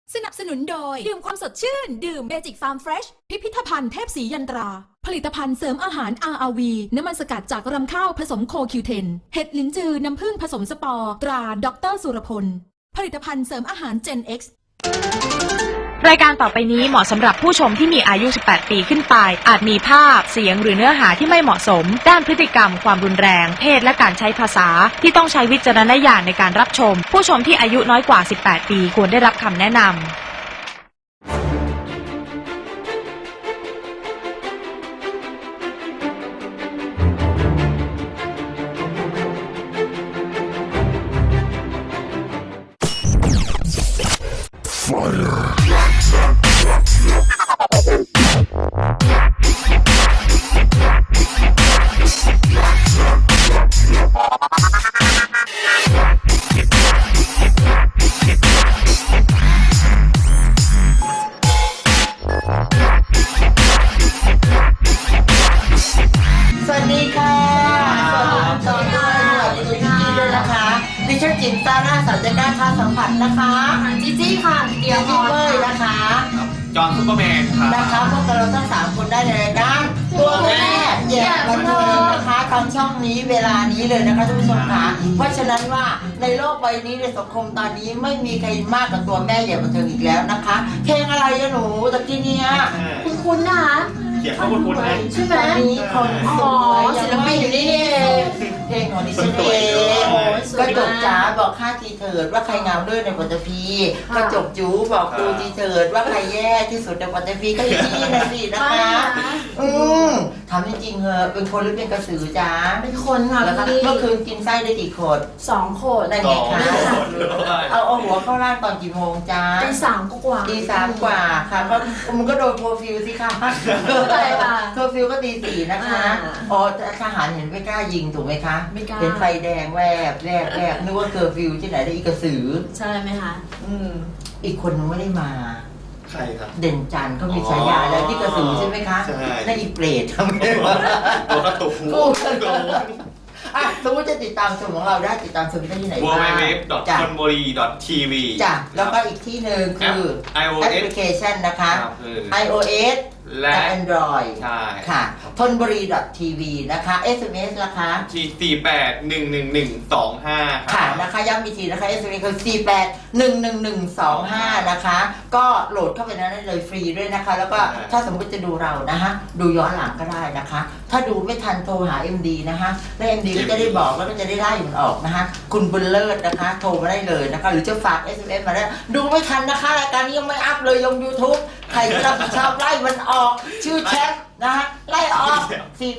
สนับสนุนโดยดื่มความสดชื่นดื่มเมจิกฟาร์มเฟรชพิพิธภัณฑ์เทพศรียันตราผลิตภัณฑ์เสริมอาหาร RRV น้ำมันสกัดจากรำข้าวผสมโคคิวเทนเห็ดลิ้นจือน้ำผึ้งผสมสปอร์ตราดร.สุรพลผลิตภัณฑ์เสริมอาหาร Gen X รายการต่อไปนี้เหมาะสำหรับผู้ชมที่มีอายุ 18 ปีขึ้นไปอาจมีภาพเสียงหรือเนื้อหาที่ไม่เหมาะสมด้านพฤติกรรมความรุนแรงเพศและการใช้ภาษาที่ต้องใช้วิจารณญาณในการรับชมผู้ชมที่อายุน้อยกว่า 18 ปีควรได้รับคำแนะนำสวัสดีค่ะสวัสดีด้วยนะคะดิฉันจิ๋มซาร่าสัญญาการค้าสัมผัสนะคะจีจี้ค่ะเดียวพอเลยนะคะจอห์นซุปเปอร์แมนครับนะคะพวกเราทั้ง3คนได้ในรายการตัวแม่แย่บันเทิงนะคะทางช่องนี้เวลานี้เลยนะคะท่านผู้ชมค่ะเพราะฉะนั้นว่าในโลกใบนี้ในสังคมตอนนี้ไม่มีใครมากกว่าตัวแม่แย่บันเทิงอีกแล้วนะคะเพลงอะไรอะหนูตะกี้เนี้ยคุณนะคะเขียนข้อมูลคุณนะใช่ไหมนี้คนสวยศิลปินอยู่นี่เองเพลงของดิฉันเองกระจกจ๋าบอกข้าทีเถิดว่าใครงามเลิศในปัตตภีกระจกจูบอกครูทีเถิดว่าใครแย่ที่สุดในปัตตภีก็อยู่ที่นี่นะสินะคะถามจริงๆเหอะเป็นคนหรือเป็นกระสือจ๋าเป็นคนค่ะแล้วพี่เมื่อคืนกินไส้ได้กี่ขวด 2 คนได้ไงคะเอาหัวเข้าร่างตอนกี่โมงจ้าตี3กว่าตี3กว่าค่ะก็มันก็โดนโคฟิวสิคะอะไรล่ะโคฟิวก็ตี4นะคะอ๋อทหารเห็นไม่กล้ายิงถูกไหมคะไม่กล้าเห็นไฟแดงแวบนึกว่าเคอร์ฟิวที่ไหนได้อีกกระสือใช่ไหมคะอีกคนนึงไม่ได้มาใครครับเด่นจันทร์เขามีฉายาแล้วที่กระสือใช่ไหมคะใช่นั่นอีเปรตทำไมวะตัวกระตุกกูกระตุกอ่ะสมมติจะติดตามชมของเราได้ติดตามชมได้ที่ไหนบ้าง www.konbori.tv จ้ะแล้วก็อีกที่หนึ่งคือแอป iOS พลิเคชันนะคะครับ iOS และและ Android ใช่ค่ะทนบุรี .tv นะคะ SMS นะคะที่48111225 ค่ะนะคะย้ำอีกทีนะคะ SMS คือ48111125นะคะ ก็โหลดเข้าไปนั้นได้เลยฟรีด้วยนะคะ แล้วก็ถ้าสมมติจะดูเรานะคะดูย้อนหลังก็ได้นะคะ ถ้าดูไม่ทันโทรหา MD นะคะแล้ว MD ก็จะได้บอกแล้วก็จะได้ไล่มันออกนะคะ คุณบุญเลิศนะคะ โทรมาได้เลยนะคะ หรือจะฝาก SMS มาได้ดูไม่ทันนะคะรายการนี้ยังไม่อัพเลยลง YouTube ใครจะรับผิดชอบไล่มันออกชื่อแชทนะคะไล่ออก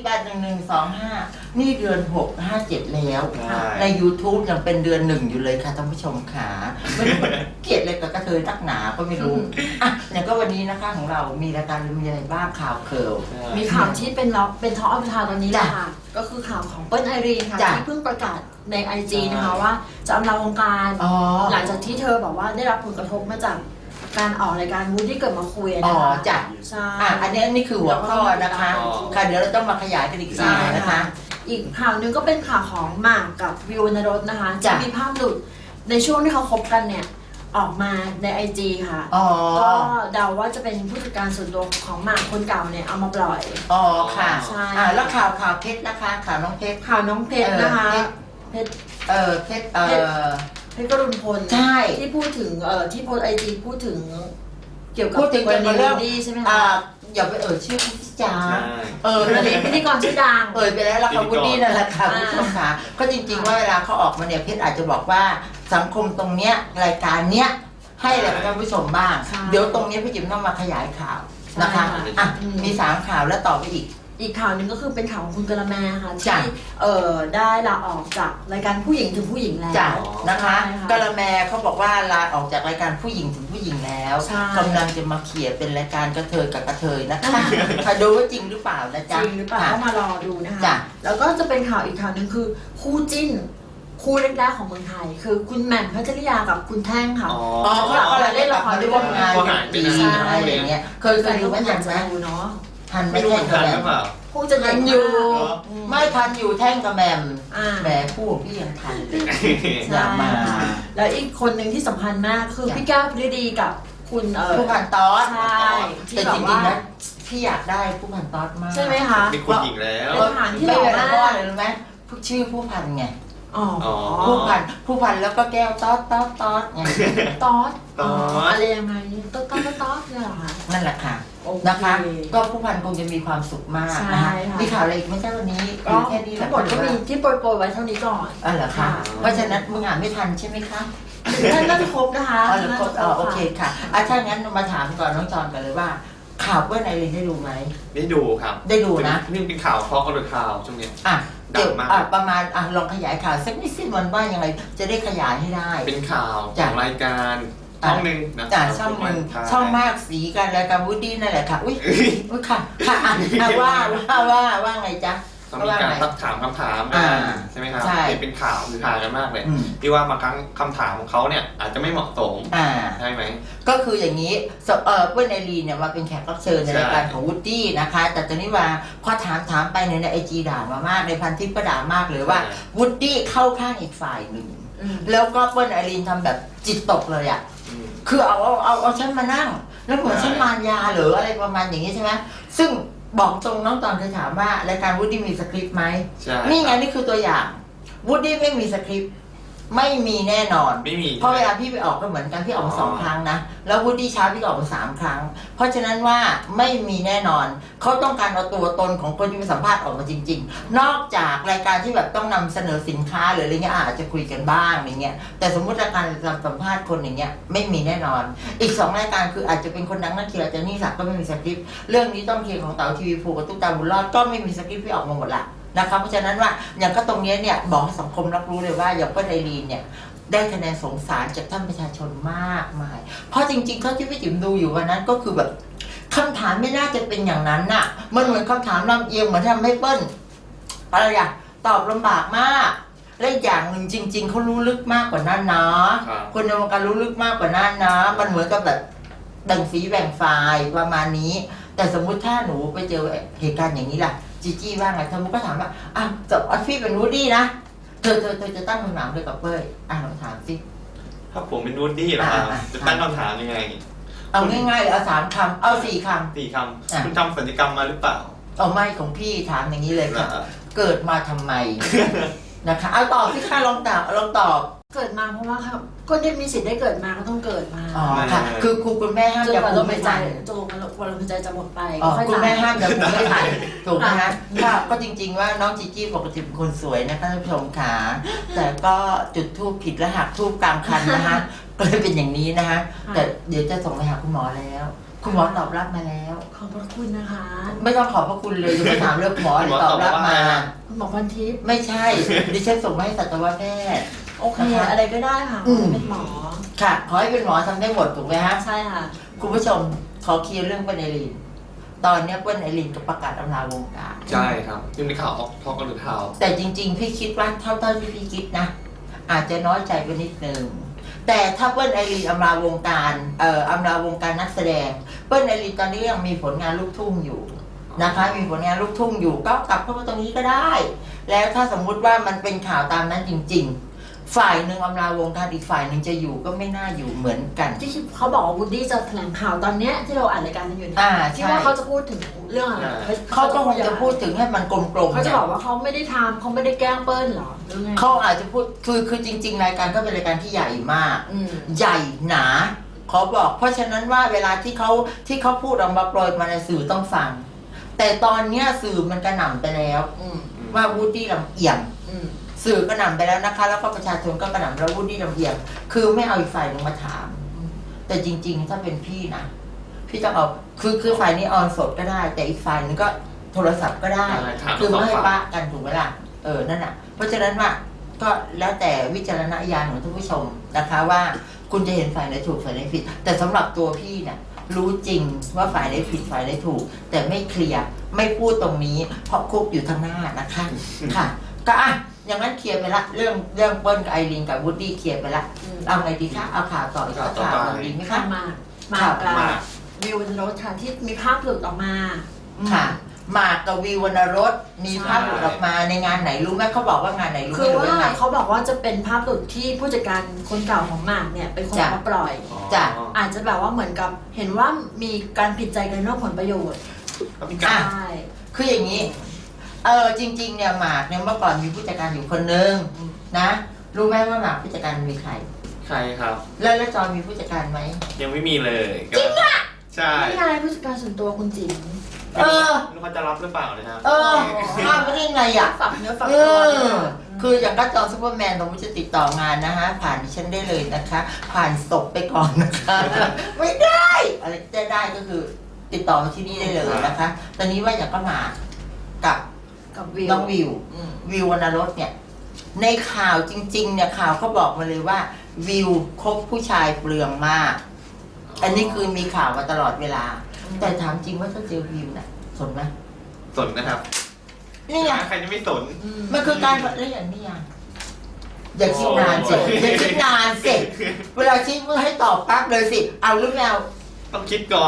481125นี่เดือน6 57แล้ว ใน YouTube ยังเป็นเดือน1อยู่เลยค่ะท่านผู้ชมขาไม่รู้เกลียดเลยกับกระเทยนักหนาก็ไม่รู้อ่ะอย่างก็วันนี้นะคะของเรามีรายการมีอะไรบ้างข่าวเคิร์ลมีข่าวที่เป็นท็อปอัพทาวตอนนี้แหละค่ะก็คือข่าวของเปิ้ลไอรีนค่ะจ้ะที่เพิ่งประกาศใน IG นะคะว่าจะอำลาวงการอ๋อหลังจากที่เธอบอกว่าได้รับผลกระทบมาจากการออกรายการวูดที่เกิดมาคุยอ๋อนะคะจ้ะใช่อันนี้คือหัวข้อนะคะค่ะเดี๋ยวเราต้องมาขยายกันอีกทีนะคะอีกข่าวหนึ่งก็เป็นข่าวของหมากกับวิววรรณรสนะคะจ้ะที่มีภาพหลุดในช่วงที่เขาคบกันเนี่ยออกมาใน IG ค่ะอ๋อก็เดาว่าจะเป็นผู้จัดการส่วนตัวของหมากคนเก่าเนี่ยเอามาปล่อยอ๋อค่ะใช่แล้วข่าวเพชรนะคะข่าวน้องเพชรข่าวน้องเพชรนะคะเพชรเพชรเพชรกรุณพลใช่ที่พูดถึงที่โพสไอจีพูดถึงเกี่ยวกับพูดถึงกรณีเรื่องดีใช่ไหมอ่าคะอย่าไปชื่อพี่จ๋าใช่นั่นเองพิธีกรชื่อดังไปแล้วละค่ะวุฒินั่นแหละค่ะคุณผู้ชมค่ะก็จริงๆว่าเวลาเขาออกมาเนี่ยเพชรอาจจะบอกว่าสังคมตรงเนี้ยรายการเนี้ยให้อะไรกับท่านผู้ชมบ้างใช่เดี๋ยวตรงนี้พี่จิ๋มต้องมาขยายข่าวนะคะใช่ค่ะอ่ะมี3ข่าวแล้วต่อไปอีกข่าวหนึ่งก็คือเป็นข่าวของคุณกะละแมค่ะจ้ะที่ได้ลาออกจากรายการผู้หญิงถึงผู้หญิงแล้วจ้ะนะคะใช่ค่ะกะละแมเขาบอกว่าลาออกจากรายการผู้หญิงถึงผู้หญิงแล้วใช่กำลังจะมาเขี่ยเป็นรายการกระเทยกับกระเทยนะคะค่ะดูว่าจริงหรือเปล่านะจจ๊ะริงหรือเปล่าค่ะต้องมารอดูนะคะจ้ะแล้วก็จะเป็นข่าวอีกข่าวหนึ่งคือคู่จิ้นคู่แรกๆของเมืองไทย คือคุณแหม่มพัชริยากับคุณแท่งค่ะอ๋อเขาอะไรได้ละครได้ร่วมงานกันดีอะไรอย่างเงี้ยเคยดูไหมทันไหมดูเนาะทันไหมไม่รู้แท่งทักับนแมหรือมเปล่าคู่จะทัเย็นนออยู่ไม่ทันอยู่แท่งกับแมมอ่าแหมพูดพี่ยังทันเลยใช่อย่ามาแล้วอีกคนหนึ่งที่สำคัญมากคือจ้ะพี่ก้าวพฤดีกับคุณผู้พันตอสใช่ที่แต่แบจบริว่างๆนะพี่อยากได้ผู้พันตอสมากใช่ไหมคะมีคุณหญิงแล้วเป็นทหารที่หไม่ล่อเป็นมาเพราะกอะไรรู้ไหมชื่อผู้พันไงอ๋อผู้พันแล้วก็แก้วตอสไงตอสตอสอะไรยังไงตอสเนี่ยเหรอคะนั่นแหละค่ะโอเคนะคะ ก็ผู้พันคงจะมีความสุขมากนะใช่คะค่ะมีข่าวอะไรอีกไหม่ใช่วันนี้ก็มีแค่นี้แหทั้ละงหมดก็มีที่โปรยไว้เท่านี้ก่อนอ๋อเหรอคะค่ะเพราะฉะนั้นมึงอ่านไม่ทันใช่ไหมคะน่าจะครบนะคะอ๋อเหรอครบอ๋อโอเคค่ะค่ะถ้างั้นมาถามก่อนน้องจอนกันเลยว่า ข่าวเพื่อนไอรินได้ดูไหมได้ดูครับได้ดูนะนี่เป็นข่าวทอล์กหรือข่าวช่วงเนี้ยอ่ะเดี๋ยวดังมากประมาณลองขยายข่าวสักนิดสิมันว่ายังไงจะได้ขยายให้ได้เป็นข่าวขจ้ะองรายการช่องหนึ่งนะจากช่องหนึ่งช่องมากสีกันรายการวูดดี้นั่นแหละค่ะอุ้ยอุ้ยค่ะค่ะว่าไงจ๊ะเขามีการทักถามคำถามกันใช่ไหมครับใช่เป็นข่าวคือหากันมากเลยอืมที่ว่าบางครั้งคำถามของเขาเนี่ยอาจจะไม่เหมาะสม ใช่ไหมก็คืออย่างนี้เพื่อนไอรีนเนี่ยมาเป็นแขกรับเชิญในรายการของวูดดี้นะคะ แต่ตอนนี้ว่าพอถามไปในไอจีด่ามามากในพันทิปก็ด่ามากเลยว่าวูดดี้เข้าข้างอีกฝ่ายหนึ่งอืมแล้วก็เพื่อนไอรีนทำแบบจิตตกเลยอ่ะอืมคือเอาฉันมานั่ง แล้วเหมือนใช่ฉันมารยาหรืออะไรประมาณอย่างนี้ใช่ไหมซึ่งบอกตรงน้องตอนเคยถามว่ารายการวูดดี้มีสคริปต์ไหมใช่นี่ไงนี่คือตัวอย่างวูดดี้ไม่มีสคริปต์ไม่มีแน่นอนไม่มีเพราะเวลาพี่ไปออกก็เหมือนกันพี่ออกมา2 ครั้งนะแล้ววูดดี้เช้าพี่ก็ออกมา3 ครั้ง เพราะฉะนั้นว่าไม่มีแน่นอนเขาต้องการเอาตัวตนของคนที่ไปสัมภาษณ์ออกมาจริง ๆ นอกจากรายการที่แบบต้องนำเสนอสินค้าหรืออะไรเงี้ยอาจจะคุยกันบ้างอย่างเงี้ยแต่สมมุติรายการสัมภาษณ์คนอย่างเงี้ยไม่มีแน่นอน อีก2 รายการคืออาจจะเป็นคนดังนักเขียนอาจจะนี่ศักดิ์ก็ไม่มีสคริปต์เรื่องนี้ต้องเคลียร์ของเต๋าทีวีภูกับตุ๊กตาบุญรอดก็ไม่มีสคริปต์ที่ออกมาหมดละนะคะเพราะฉะนั้นว่าอย่างก็ตรงนี้เนี่ยบอกให้สังคมรับรู้เลยว่าอย่างป้าไอรีนเนี่ยได้คะแนนสงสารจากท่านประชาชนมากมายเพราะจริงๆเท่าที่พี่จิ๋มดูอยู่วันนั้นก็คือแบบคำถามไม่น่าจะเป็นอย่างนั้นน่ะมันเหมือนคำถามลำเอียงเหมือนทำให้เปิ้ลอะไรอะตอบลำบากมากและอีกอย่างหนึ่งจริง ๆเขารู้ลึกมากกว่านั้นนะคนในวงการรู้ลึกมากกว่านั้นนะมันเหมือนกับแบบแบ่งฝีแบ่งฝ่ายประมาณนี้แต่สมมุติถ้าหนูไปเจอเหตุการณ์อย่างนี้ล่ะจีจี้ว่าไงเธอมันก็ถามว่าอ่ะจบออฟฟี่เป็นวูดดี้นะเธอจะตั้งคำถามด้วยกับเป้ยลองถามสิถ้าผมเป็นวูดดี้เหรอครับจะตั้งคำถามยังไงเอาง่ายๆเลยเอา3 คำเอา4 คำ 4 คำคุณทำศัลยกรรมมาหรือเปล่าเอาไม่ของพี่ถามอย่างนี้เลยค่ะเหรอเกิดมาทำไม นะคะเอาตอบสิค่ะลองตอบเกิดมาเพราะว่าครับคนที่มีสิทธิ์ได้เกิดมาก็ต้องเกิดมาอ๋อค่ะคือครูคุณแม่ห้ามจนอย่ากว่าพูลดมไม่หายใจทันจนกว่าลมหายใจจะหมดไปอ๋อค่อยคุณตายแม่ห้ามอย่าพูดไม่ทันถูกไหมฮะก็จริง ๆ ว่าน้องจีจี้ปกติเป็นคนสวยนะคะท่านผู้ชมขาแต่ก็จุดทูบผิดและหักทูบกลางคันนะคะก็เลยเป็นอย่างนี้นะคะแต่เดี๋ยวจะส่งไปหาคุณหมอแล้ว คุณหมอตอบรับมาแล้วขอบพระคุณนะคะไม่ต้องขอบพระคุณเลยจะไปถามเรื่องหมอคุณหมอตอบรับตอบว่ามาไงคุณหมอพันทิพย์ไม่ใช่ ดิฉันส่งมาให้สัตวแพทย์โอเคนะคะอะไรก็ได้ค่ะอืมเป็นหมอค่ะ ขอให้เป็นหมอทำได้หมดถูกไหมฮะใช่ค่ะคุณผู้ชมขอเคลียร์เรื่องเปิ้ลไอรีนตอนเนี้ยเปิ้ลไอรีนก็ประกาศอำลาวงการใช่ครับซึ่งเป็นข่าวทอล์กหรือข่าวแต่จริง ๆ พี่คิดว่าเท่าที่พี่คิดนะ อาจจะน้อยใจไปนิดนึงแต่ถ้าเปิ้ลไอรีนอำลาวงการอำลาวงการนักแสดงเปิ้ลไอรีนตอนนี้ยังมีผลงานลูกทุ่งอยู่นะคะ มีผลงานลูกทุ่งอยู่ก็กลับเข้ามาตรงนี้ก็ได้ แล้วถ้าสมมุติว่ามันเป็นข่าวตามนั้นจริง ๆ ฝ่ายหนึ่งอำลาวงการอีกฝ่ายหนึ่งจะอยู่ก็ไม่น่าอยู่เหมือนกันที่เขาบอกว่าวูดดี้จะแถลงข่าวตอนเนี้ยที่เราอ่านรายการกันอยู่เนี่ย ที่ใช่ว่าเขาจะพูดถึงเรื่องอะไรเขาก็คงจะพูดถึงให้มันกลมๆเขาจะบอกว่าเขาไม่ได้ทำเขาไม่ได้แกล้งเปิ้ลหรอหรือไงเขาอาจจะพูดคือจริง ๆ รายการก็เป็นรายการที่ใหญ่มากอืมใหญ่หนาขอบอก เพราะฉะนั้นว่าเวลาที่เขาพูดออกมาโปรยมาในสื่อต้องฟัง แต่ตอนเนี้ยสื่อมันกระหน่ำไปแล้วอืมว่าวูดดี้ลำเอียงอืมสื่อกระหน่ำไปแล้วนะคะ แล้วก็ประชาชนก็กระหน่ำแล้ววูดดี้ลำเอียง คือไม่เอาอีกฝ่ายหนึ่งมาถาม แต่จริง ๆ ถ้าเป็นพี่นะพี่ต้องเอาคือฝ่ายนี้ออนสดก็ได้ แต่อีกฝ่ายหนึงก็โทรศัพท์ก็ได้ถามคือไม่ให้สองปะฝ่ายกันถูกไหมล่ะนั่นน่ะ เพราะฉะนั้นว่าก็แล้วแต่วิจารณญาณของท่านผู้ชมนะคะว่าคุณจะเห็นฝ่ายไหนถูกฝ่ายไหนผิด แต่สำหรับตัวพี่เนี่ยรู้จริงว่าฝ่ายไหนผิดฝ่ายไหนถูก แต่ไม่เคลียร์ไม่พูดตรงนี้เพราะคุกอยู่ทางหน้านะคะค่ะ ก็อย่างนั้นเคลียร์ไปละเรื่องเปิ้ลกับไอรีนกับวูดดี้เคลียร์ไปละเอาไงดีคะเอาข่าวต่ออีกสักข่าวหนึ่งดีไหมข้าคะมมาข่าวกับวิวบนรถค่ะที่มีภาพหลุดออกมาค่ะหมากกับวิววรรณรสมีภาพหลุดออกมาในงานไหนรู้ไหมเขาบอกว่างานไหนรู้คือไหมว่าไงเขาบอกว่าจะเป็นภาพหลุดที่ผู้จัดการคนเก่าของหมากเนี่ยเป็นคนจ้ะมาปล่อยจ้ะอาจจะแบบว่าเหมือนกับเห็นว่ามีการผิดใจกันเรื่องผลประโยชน์ก็มีการใช่คืออย่างนี้จริงๆเนี่ยหมากเนี่ยเมื่อก่อนมีผู้จัดการอยู่คนนึงนะรู้ไหมว่าหมากผู้จัดการมีใครใครครับแล้วจอยมีผู้จัดการไหมยังไม่มีเลยจริงอ่ะใช่นี่ไงผู้จัดการส่วนตัวคุณจิ๋มเออไม่รู้เขาจะรับหรือเปล่านะครับห้ามไม่ได้ไงอ่ะฝักเนื้อฝักตัวเนี่ยคืออย่างก็จอซูเปอร์แมนเราจะติดต่องานนะฮะผ่านดิฉันได้เลยนะคะ ผ่านศพไปก่อนนะคะ ไม่ได้อะไรจะได้ก็คือติดต่อมาที่นี่ได้เลยนะคะ ตอนนี้ว่าอย่างก็มากับกับวิวน้องวิววิววรรณรสเนี่ยในข่าวจริงๆเนี่ยข่าวเขาบอกมาเลยว่าวิวคบผู้ชายเปลืองมาก อันนี้คือมีข่าวมาตลอดเวลา แต่ถามจริงว่าถ้าเจอวิวน่ะสนไหมสนนะครับนี่ไงใครจะไม่สนมันคือการเล่นอย่างนี้ยังอย่าคิดนานสิอย่าคิดนานสิเวลาคิดเพื่อให้ตอบปั๊บเลยสิเอาหรือไม่เอาต้องคิดก่อน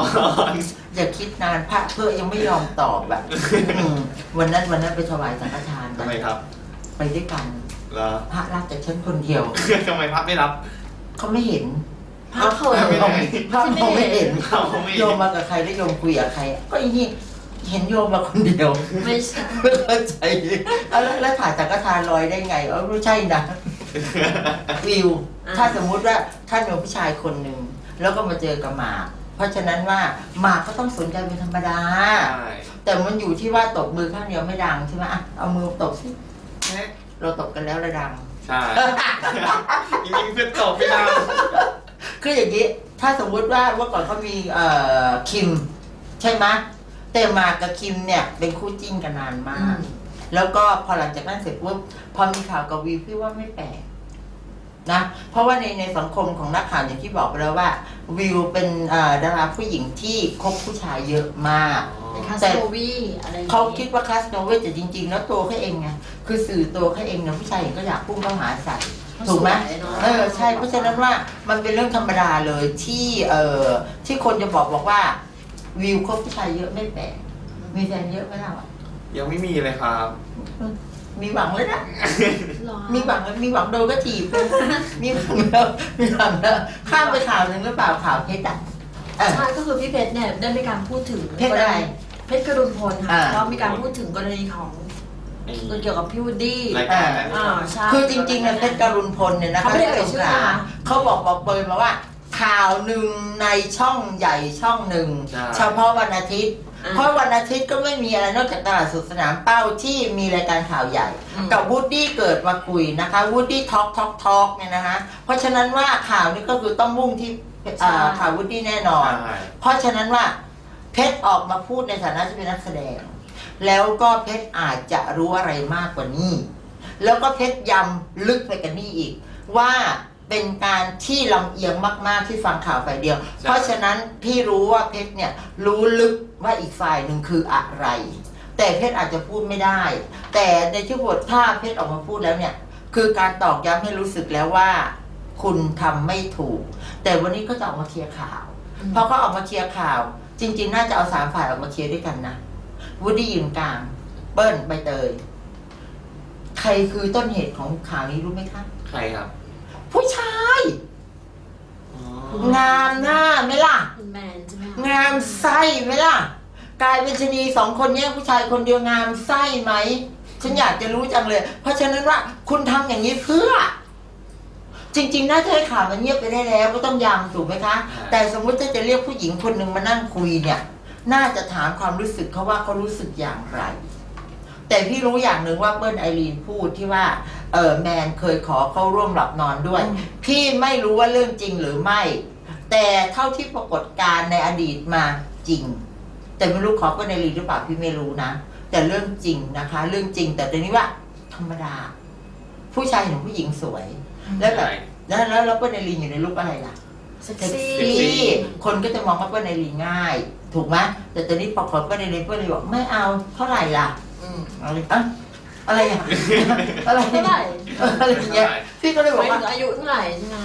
อย่าคิดนานพระเพื่อยังไม่ยอมตอบแบบวันนั้นไปถวายสังฆทานทำไมครับไปด้วยกันเหรอพระรับจากฉันคนเดียวทำไมพักไม่รับเขาไม่เห็นพระเขินไม่ได้พระมองไม่เห็นเขาไม่โยมมากับใครแล้วโยมคุยกับใคร ก็อีนี่เห็นโยมมาคนเดียวไม่ใช่ไม่เข้าใจเอาแล้วถ่ายสังฆทานลอยได้ไงไม่ใช่นะวิว ถ้าสมมุติว่าท่านเป็นผู้ชายคนหนึ่งแล้วก็มาเจอกับหมากเพราะฉะนั้นว่าหมากก็ต้องสนใจเป็นธรรมดาใช่แต่มันอยู่ที่ว่าตบมือข้างเดียวไม่ดังใช่ไหมอ่ะเอามือตบสิเราตบกันแล้วระดังใช่จริงๆเพื่อนตอบไม่ได้คืออย่างนี้ถ้าสมมุติว่าเมื่อก่อนเขามีคิมใช่ไหมแต่หมากกับคิมเนี่ยเป็นคู่จิ้นกันนานมาก แล้วก็พอหลังจากนั้นเสร็จปุ๊บพอมีข่าวกับวิวพี่ว่าไม่แปลกนะเพราะว่าในสังคมของนักข่าวอย่างที่บอกไปแล้วว่าวิวเป็นดาราผู้หญิงที่คบผู้ชายเยอะมากเป็นคาสโนวีอะไรอย่างงี้เขาคิดว่าคลาสโนเวทแต่จริงๆ แล้วตัวเขาเองไงคือสื่อตัวเขาเองนะผู้ชายเห็นก็อยากพุ่งเข้าหาใส่ถูกไหมสวยเนอะใช่เพราะฉะนั้นว่ามันเป็นเรื่องธรรมดาเลยที่ที่คนจะบอกว่าวิวคบผู้ชายเยอะไม่แปลกมีแฟนเยอะไหมล่ะยังไม่มีเลยครับมีหวังเลยนะหรอมีหวังแล้วมีหวังโดนก็ถีบเลยมีหวังแล้วมีหวังแล้วข้ามไปข่าวหนึ่งหรือเปล่าข่าวเพชรอ่ะใช่ก็คือพี่เพชรเนี่ยได้มีการพูดถึงเพชรอะไรเพชรกรุณพลค่ะอ่าแล้วมีการพูดถึงกรณีของเกี่ยวกับพี่วูดดี้รายการนั้นใช่คือจริงๆเนี่ยเพชรกรุณพลเนี่ยนะคะเขาไม่ได้เอ่ยชื่อนะคะเขาบอกเปิดมาว่า ข่าวหนึ่งในช่องใหญ่ช่องหนึ่งใช่เฉพาะวันอาทิตย์ เพราะวันอาทิตย์ก็ไม่มีอะไรนอกจากตลาดสดสนามเป้าที่มีรายการข่าวใหญ่ กับวูดดี้เกิดมาคุยนะคะวูดดี้ทอล์กเนี่ยนะคะเพราะฉะนั้นว่าข่าวนี้ก็คือต้องมุ่งที่ข่าววูดดี้แน่นอนใช่เพราะฉะนั้นว่าเพชรออกมาพูดในฐานะที่เป็นนักแสดง แล้วก็เพชรอาจจะรู้อะไรมากกว่านี้ แล้วก็เพชรยำลึกไปกันนี่อีก ว่าเป็นการที่ลำเอียงมากๆที่ฟังข่าวฝ่ายเดียว เพราะฉะนั้นพี่รู้ว่าเพชรเนี่ยรู้ลึกว่าอีกฝ่ายหนึ่งคืออะไร แต่เพชรอาจจะพูดไม่ได้ แต่ในที่บทถ้าเพชรออกมาพูดแล้วเนี่ยคือการตอกย้ำให้รู้สึกแล้วว่า คุณทำไม่ถูก แต่วันนี้ก็จะออกมาเคลียร์ข่าวพอเขาออกมาเคลียร์ข่าว จริงๆน่าจะเอา3ฝ่ายออกมาเคลียร์ด้วยกันนะวูดดี้ยืนกลางเปิ้ลใบเตยใครคือต้นเหตุของข่าวนี้รู้ไหมคะใครครับผู้ชาย งามหน้าไหมล่ะคุณแมนใช่ไหมคะงามไส้ไหมล่ะ กลายเป็นชะนี2 คนแย่งผู้ชายคนเดียวงามไส้ไหมฉันอยากจะรู้จังเลย เพราะฉะนั้นว่าคุณทำอย่างนี้เพื่อ จริงๆน่าจะให้ข่าวมันเงียบไปได้แล้วก็ต้องยำถูกไหมคะ แต่สมมุติถ้าจะเรียกผู้หญิงคนหนึ่งมานั่งคุยเนี่ย น่าจะถามความรู้สึกเขาว่าเขารู้สึกอย่างไร แต่พี่รู้อย่างหนึ่งว่าเปิ้ลไอรีนพูดที่ว่าแมนเคยขอเข้าร่วมหลับนอนด้วย พี่ไม่รู้ว่าเรื่องจริงหรือไม่ แต่เท่าที่ปรากฏการณ์ในอดีตมาจริง แต่ไม่รู้ขอเปิ้ลไอรีนหรือเปล่าพี่ไม่รู้นะแต่เรื่องจริงนะคะ เรื่องจริงแต่ตอนนี้ว่า ธรรมดา ผู้ชายเห็นผู้หญิงสวย แล้วแบบแล้วเปิ้ลไอรีนอยู่ในรูปอะไรล่ะเซ็กเซ็กซี่ซี่คนก็จะมองว่าเปิ้ลไอรีนง่าย ถูกไหมแต่ตอนนี้พอขอเปิ้ลไอรีนเปิ้ลเลยบอกไม่เอาเท่าไหร่ล่ะอะไรอะไรอย่างอะไรเท่าไหร่อะไรอย่างเงี้ยพี่ก็เลยบหอมาก ยว่าถึงอายุเท่าไหร่ใช่ไหม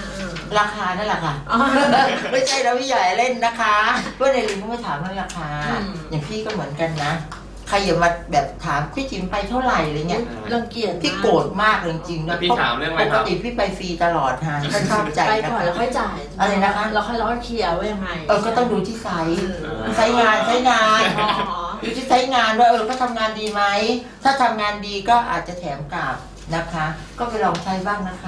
ราคานั่นแหละค่ะอ๋อไม่ใช่นะพี่ใหญ่เล่นนะคะเพื่อนในลิงก็ไม่ถามเรื่องราคาอืมอย่างพี่ก็เหมือนกันนะใครอย่ามาแบบถามพี่จิ๋มไปเท่าไหร่อะไรเงี้ยรังเกียจพี่โกรธมากเลยจริงๆแล้นะวพี่ถามเรื่องอะไรปคกรับติพี่ไปฟรีตลอดฮะถ้าชอบใจไปนะก่อนแล้วค่อยจ่ายอะไรนะคะเราค่อยเคลียร์ว่ายังไงก็ต้องดูที่ไซส์เออไซส์งานอ๋อดูที่ไซส์งานว่าเขาทำงานดีไหมถ้าทำงานดีก็อาจจะแถมกลับนะคะ ก็ไปลองใช้บ้างนะคะ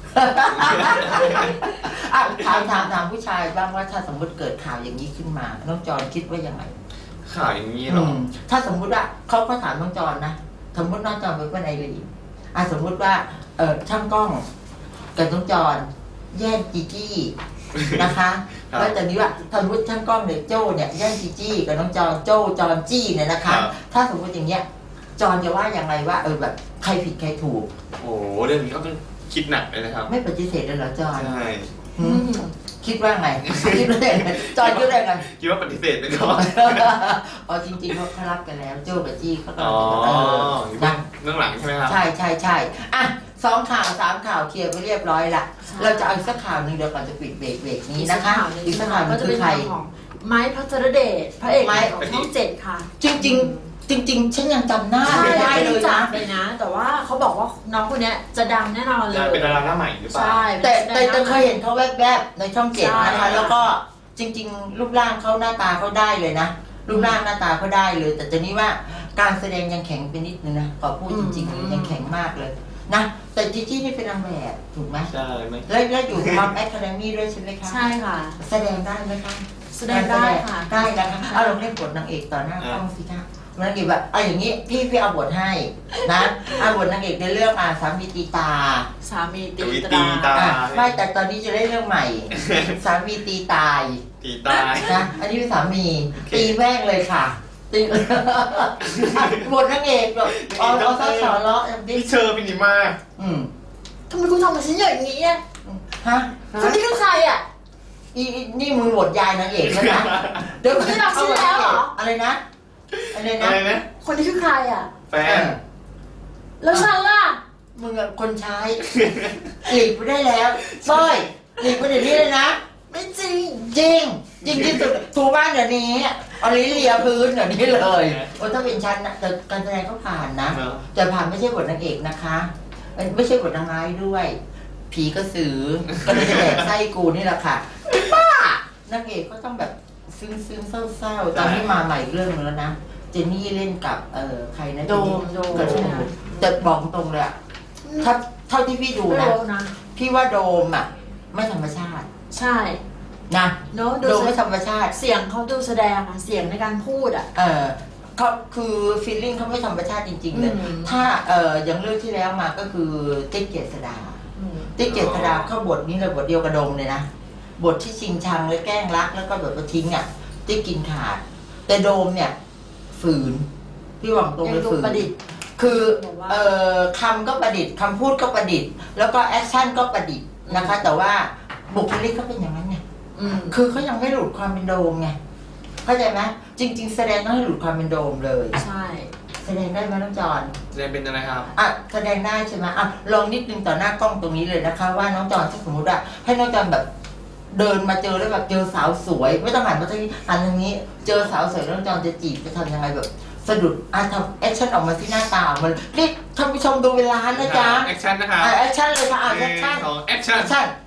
อ่ะถามผู้ชายบ้างว่าถ้าสมมติเกิดข่าวอย่างนี้ขึ้นมาน้องจอนคิดว่ายังไงข่าวอย่างนี้เหรอถ้าสมมุติว่าเขาก็ถามน้องจอนนะสมมติน้องจอนเป็นคนไอรีสมมุติว่าช่างกล้องกับน้องจอนแย่งจีจี้นะคะครับแล้วแต่นี้ว่าสมมติช่างกล้องเนี่ยโจ้เนี่ยแย่งจีจี้กับน้องจอนโจ้จอนจี้เนี่ยนะคะครับถ้าสมมติอย่างเงี้ยจอนจะว่าอย่างไรว่าแบบใครผิดใครถูกโอ้โหเรื่องนี้เขาต้องคิดหนักเลยนะครับไม่ปฏิเสธเลยเหรอจอนใช่หืมคิดว่าไงคิดว่าไงจอนคิดว่าไงคิดว่าปฏิเสธไปก่อนอ๋อจริงๆเขารับกันแล้วโจ้กับจี้เขาก็อ๋อนะเรื่องหลังใช่ไหมครับใช่อ่ะ2 ข่าว 3 ข่าวเคลียร์ไปเรียบร้อยละเราจะเอาอีกสักข่าวหนึ่งเดี๋ยวก่อนจะปิดเบรกนี้นะคะอีกสักข่าวหนึก็งจะคืเป็อน ใครข่าวของไม้พัทรเดชพระเอกไม้ของช่องเจ็ดค่ะจริงฉันยังจำหน้าใช่ไม่ได้ไม่เลรู้ยจันะกเลยนะ แต่ว่าเขาบอกว่าน้องคนเนี้ยจะดังแน่นอนเลยจะเป็นดาราหน้าใหม่หรือเปล่าใช่แต่เคยเห็นเขาแวบๆในช่องเจ็ดนะคะ แล้วก็จริง ๆ รูปร่างเขาหน้าตาเขาได้เลยนะรูปร่างหน้าตาเขาได้เลย แต่จะนี้ว่าการแสดงยังแข็งไปนิดนึงนะขอพูดจริงๆเลยยังแข็งมากเลยนะแต่จีจี้นี่เป็นนางแบบถูกไหมใช่ไหมแล้วอยู่ท็อปแอคาเดมี่ด้วยใช่ไหมคะใช่ค่ะแสดงได้ไหมคะแสดงได้ค่ะได้นะคะเอาลองเล่นบทนางเอกต่อหน้ากล้องสิคะนางเอกแบบอย่างนี้พี่เอาบทให้นะเอาบทนางเอกในเรื่องสามีตีตาสามีตีตีตราตาไม่แต่ตอนนี้จะเล่นเรื่องใหม่ สามีตีตายตีตายนะอันนี้เป็นสามีโอเคตีแม่งเลยค่ะตีบทนางเอกแบบเอาซะสอนเลาะอย่างนี้พี่เชอร์พินิมาอืมทำไมคุณทำกับฉันอย่างนี้อ่ะฮะคนนี้คือใครอ่ะนี่มึงบทยายนางเอกแล้วนะเดี๋ยวไม่รับชื่อแล้วเหรออะไรนะอะไรอะนะไรนะคนนี้คือใครอ่ะแฟเอน อแล้วฉันล่ะมึงอะคนใช้หลีกไปได้แล้วเต้ยหลีกไปเดี๋ยวนี้เลยนะไม่จริงจริงที่สุดถูบ้านเดี๋ยวนี้เอาลิ้นเลียพื้นเดี๋ยวนี้เลยโอ้ถ้าเป็นฉันนะแต่การแสดงก็ผ่านนะเนอะแต่ผ่านไม่ใช่บทนางเอกนะคะไม่ใช่บทนางร้ายด้วย ผีกระสือก็เลยจะแดกไส้กูนี่แหละค่ะบ้านางเอกก็ต้องแบบซึ้งเศร้าๆตอนนี้มาใหม่เรื่องนึงแล้วนะเจนนี่เล่นกับใครนะโดมกับโดมแต่บอกตรงเลยอะถ้าเท่าที่พี่ดูไม่นะรู้นะพี่ว่าโดมอ่ะไม่ธรรมชาติใช่นะเนอะดูโดมไม่ธรรมชาติเสียงเขาดูแสดงอ่ะ เสียงในการพูดอ่ะเขาคือฟีลลิ่งเขาไม่ธรรมชาติจริงๆเลยอืมถ้าอย่างเรื่องที่แล้วมาก็คือติ๊กเกษดาอืมติ๊กเกษดาเข้าบทนี้เลยบทเดียวกับโดมเลยนะบทที่ชิงชังและแกล้งรักแล้วก็แบบมาทิ้งอ่ะติ๊กกินขาด แต่โดมเนี่ยฝืนพี่หวังตรงยัเลยงดูฝืนประดิษฐ์คือบอกว่าคำก็ประดิษฐ์คำพูดก็ประดิษฐ์แล้วก็แอคชั่นก็ประดิษฐ์นะคะ แต่ว่าบุคลิกเขาเป็นอย่างนั้นไงอืมคือเขายังไม่หลุดความเป็นโดมไงเข้าใจไหมจริง ๆ แสดงต้องให้หลุดความเป็นโดมเลยใช่แสดงได้ไหมน้องจอนแสดงเป็นอะไรครับแสดงได้ใช่ไหมลองนิดนึงต่อหน้ากล้องตรงนี้เลยนะคะ ว่าน้องจอนถ้าสมมติว่าให้น้องจอนแบบเดินมาเจอแล้วแบบเจอสาวสวย ไม่ต้องหันมาทางนี้หันทางนี้ เจอสาวสวยแล้วน้องจอนจะจีบจะทำยังไงแบบสะดุดทำแอคชั่นออกมาที่หน้าตาออกมันนี่ท่านผู้ชมดูเวลานะจ๊ะแอคชั่นนะครับแอคชั่นเลยค่ะแอคชั่นของแอคชั่นแอคชั่น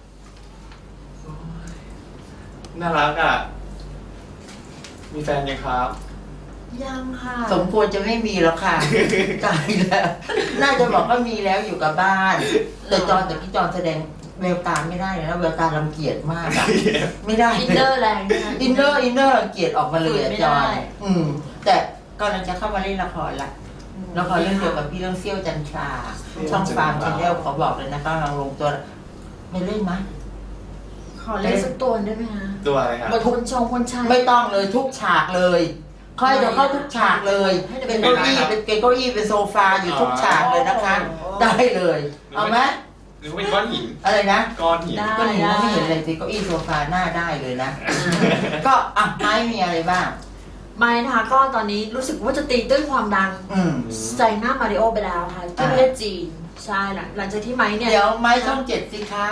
น่ารักอ่ะ มีแฟนยังครับยังค่ะสมควรจะไม่มีแล้วค่ะ ตายแล้ว น่าจะบอกว่ามีแล้วอยู่กับบ้าน แต่ที่จอนแสดงแววตาไม่ได้เลยนะแววตารังเกียจมากอะไม่ได้อินเนอร์แรงด้วยนะอินเนอร์รังเกียจออกมาเลยอะไม่จได้อนแต่กำลังจะเข้ามาเล่นละครละละครเรื่องเดียวกับพี่เรื่องเซี่ยวจันทรา ช่องฟาร์มชาแนลขอบอกเลยนะกำลังลงตัวไม่เล่นไหมขอเล่นสักตัวได้ไหมคะตัวอะไรครับบทคนชงคนชายไม่ต้องเลยทุกฉากเลยค่อยจะเข้าทุกฉากเลยให้เดี๋ยวเป็นเก้าอี้เป็นเก้าอี้เป็นโซฟาอยู่ทุกฉากเลยนะคะ ได้เลย เอาไหมหรือว่าเป็นก้อนหินอะไรนะก้อนหินได้ก็หนูไม่เห็นเลยสิเก้าอี้โซฟาหน้าได้เลยนะ ก็ไม้มีอะไรบ้างไม่นะคะก็ตอนนี้รู้สึกว่าจะตีตื้นความดัง ใจหน้ามาริโอไปแล้วค่ะที่ประเทศจีนใช่หลังจากที่ไม้เนี่ยเดี๋ยวไม้ช่อง7สิคะ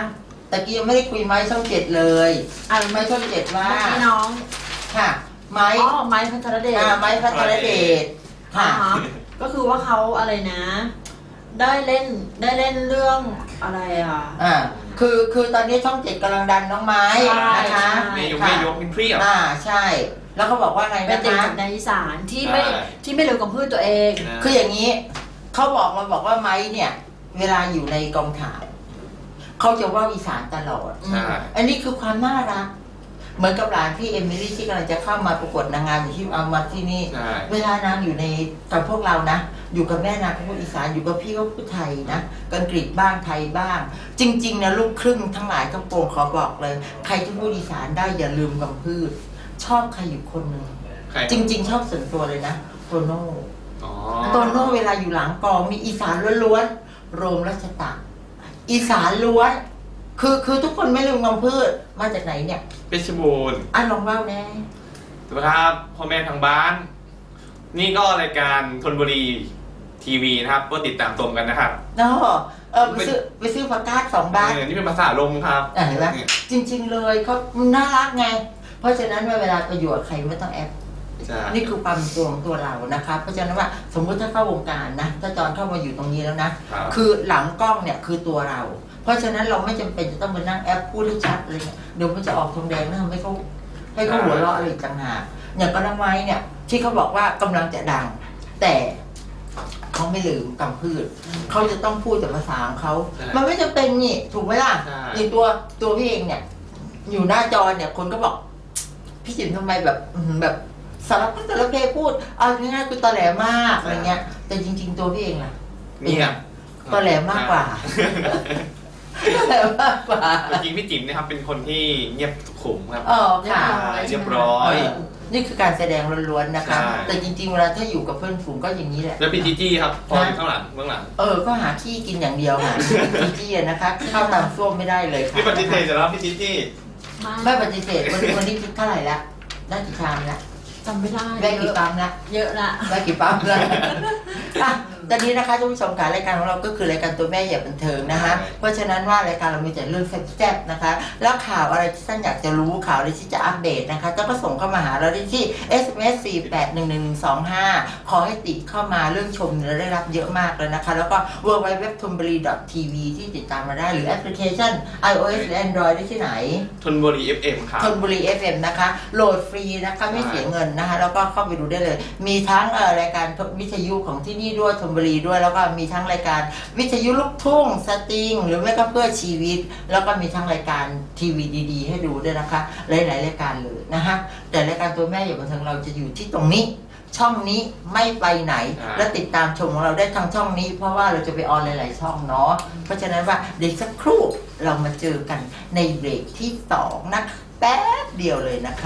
ตะกี้ยังไม่ได้คุยไม้ช่อง 7เลยไม้ช่อง 7ว่าพี่น้องค่ะไม้ไม้พัทรเดชไม้พัทรเดชค่ะก็คือว่าเขาอะไรนะ ได้เล่นเรื่องอะไรอ่ะคือตอนนี้ช่อง 7กำลังดันน้องไม้นะคะไม่ยกเป็นเพรี้ยวใช่แล้วเขาบอกว่าไงเป็นนะเด็กคะจากในอีสานที่ไม่เร็วกับพืชตัวเองคืออย่างนี้เขาบอกว่าไม้เนี่ยเวลาอยู่ในกองถ่ายเขาจะว่าอีสานตลอดใช่อันนี้คือความน่ารักเหมือนกับหลานพี่เอมิลี่ที่กำลังจะเข้ามาประกวดนางงามอยู่ที่เอามาที่นี่ใช่เวลานางอยู่ในกับพวกเรานะอยู่กับแม่นางก็พูดอีสานอยู่กับพี่ก็พูดไทยนะอังกฤษบ้างไทยบ้าง จริงๆนะลูกครึ่งทั้งหลายทั้งปวงขอบอกเลย ใครที่พูดอีสานได้อย่าลืมกำพืชชอบใครอยู่คนหนึ่งใครจริง ๆ ชอบส่วนตัวเลยนะโตโน่อ๋อโตโน่เวลาอยู่หลังกองมีอีสานล้วนๆโรมรัชตะอีสานล้วนคือทุกคนไม่ลืมกำพืชมาจากไหนเนี่ยเพชรบูรณ์ลองเล่าแน่สวัสดีครับพ่อแม่ทางบ้าน นี่ก็รายการธนบุรีทีวีนะครับก็ติดตามชมกันนะครับเนาะไปซื้อผักกาด2 บาทนี่เป็นภาษาลมครับเห็นไหมจริงๆเลยเขาน่ารักไง เพราะฉะนั้นเวลาประโยชน์ใครไม่ต้องแอปใช่นี่คือความตัวของตัวเรานะคะเพราะฉะนั้นว่าสมมุติถ้าเข้าวงการนะถ้าจอนเข้ามาอยู่ตรงนี้แล้วนะครับ คือหลังกล้องเนี่ยคือตัวเรา เพราะฉะนั้นเราไม่จำเป็นจะต้องมานั่งแอปพูดให้ชัดอะไรเงี้ยเดี๋ยวมันจะออกทองแดงนะทำให้เขาหัวเราะอะไรอีกต่างหากอย่างก็น้ำไม้เนี่ยที่เขาบอกว่ากำลังจะดัง แต่เขาไม่ลืมกำพืชเขาจะต้องพูดแต่ภาษาของเขามันไม่จำเป็นนี่ถูกไหมล่ะอย่างตัวพี่เองเนี่ยอยู่หน้าจอเนี่ยคนก็บอกพี่จิ๋มทำไมแบบสารพัดสารเพพูดเอาง่ายๆคือตอแหลมากอะไรเงี้ยแต่จริง ๆ ตัวพี่เองล่ะนี่อ่ะตอแหลมากกว่าตอแหลมากกว่าจริงๆพี่จิ๋มนะครับเป็นคนที่เงียบสุขุมครับอ๋อค่ะเรียบร้อยนี่คือการแสดงล้วนๆนะคะใช่แต่จริงๆเวลาถ้าอยู่กับเพื่อนฝูงก็อย่างนี้แหละแล้วพี่จีจี้ครับพออยู่ข้างหลังเบื้องหลังก็หาที่กินอย่างเดียวค่ะจี้ๆนะคะเข้าตามส้วมไม่ได้เลยค่ะนี่ปฏิเสธจะรับพี่จีจี้ไม่ปฏิเสธวันนี้คิดเท่าไหร่ละได้กี่ชามละจำไม่ได้ได้กี่ปั๊มละเยอะละได้กี่ปั๊มละอ่ะตอนนี้นะคะท่านผู้ชมค่ะรายการของเราก็คือรายการตัวแม่อย่าบันเทิงนะคะเพราะฉะนั้นว่ารายการเรามีแต่เรื่องแซ่บๆนะคะแล้วข่าวอะไรที่ท่านอยากจะรู้ข่าวอะไรที่จะอัปเดตนะคะก็ส่งเข้ามาหาเราได้ที่ SMS 4811125 ขอให้ติดเข้ามาเรื่องชมเราได้รับเยอะมากเลยนะคะแล้วก็ www.thonburi.tv ที่ติดตามมาได้หรือแอปพลิเคชัน iOS และ Android ได้ที่ไหนธนบุรี FM ครับธนบุรี FM นะคะโหลดฟรีนะคะไม่เสียเงินนะคะแล้วก็เข้าไปดูได้เลย มีทั้งรายการวิทยุของที่นี่ด้วยธนบุรีด้วยแล้วก็มีทั้งรายการวิทยุลูกทุ่งสตริงหรือไม่ก็เพื่อชีวิต แล้วก็มีทั้งรายการทีวีดีๆให้ดูด้วยนะคะหลายๆรายการเลยนะคะแต่รายการตัวแม่อย่าบันเทิงเราจะอยู่ที่ตรงนี้ ช่องนี้ไม่ไปไหน และติดตามชมของเราได้ทางช่องนี้ เพราะว่าเราจะไปออนหลายๆช่องเนาะเพราะฉะนั้นว่าเดี๋ยวสักครู่เรามาเจอกันในเบรกที่2นะแป๊บเดียวเลยนะคะ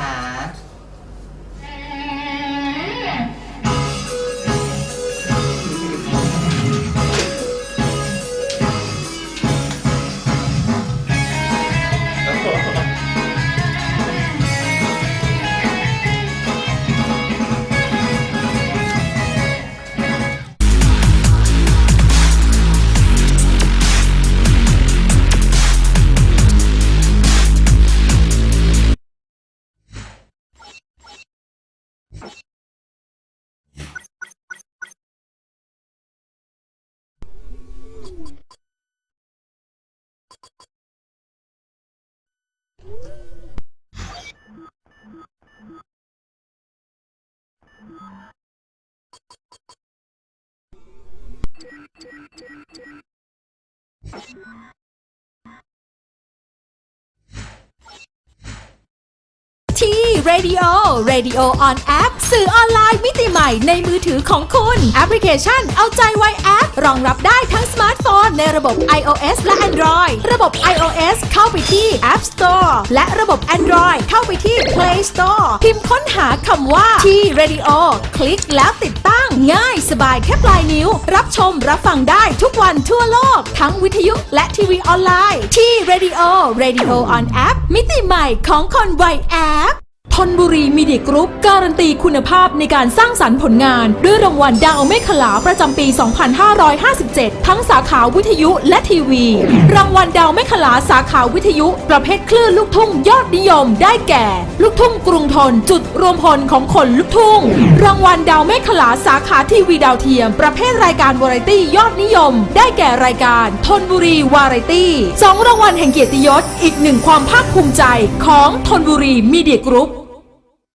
ที่ Radio Radio on App สื่อออนไลน์มิติใหม่ในมือถือของคุณแอปพลิเคชันเอาใจไวแอปรองรับได้ทั้งสมาร์ทโฟนในระบบ iOS และ Android ระบบ iOS เข้าไปที่ App Store และระบบ Android เข้าไปที่ Play Store พิมพ์ค้นหาคำว่าที่ Radio คลิกแล้วติดตั้งง่ายสบายแค่ปลายนิ้ว รับชมรับฟังได้ทุกวันทั่วโลกทั้งวิทยุและทีวีออนไลน์ที่ Radio Radio on App มิติใหม่ของคนไวแอปธนบุรีมีเดียกรุ๊ปการันตีคุณภาพในการสร้างสรรค์ผลงานด้วยรางวัลดาวเมฆขลาประจำปี 2557 ทั้งสาขาวิทยุและทีวี รางวัลดาวเมฆขลาสาขาวิทยุประเภทคลื่นลูกทุ่งยอดนิยมได้แก่ ลูกทุ่งกรุงทนจุดรวมพลของคนลูกทุ่ง รางวัลดาวเมฆขลาสาขาทีวีดาวเทียมประเภทรายการวาไรตี้ยอดนิยมได้แก่รายการธนบุรีวาไรตี้2 รางวัลแห่งเกียรติยศอีกหนึ่งความภาคภูมิใจของธนบุรีมีเดียกรุ๊ป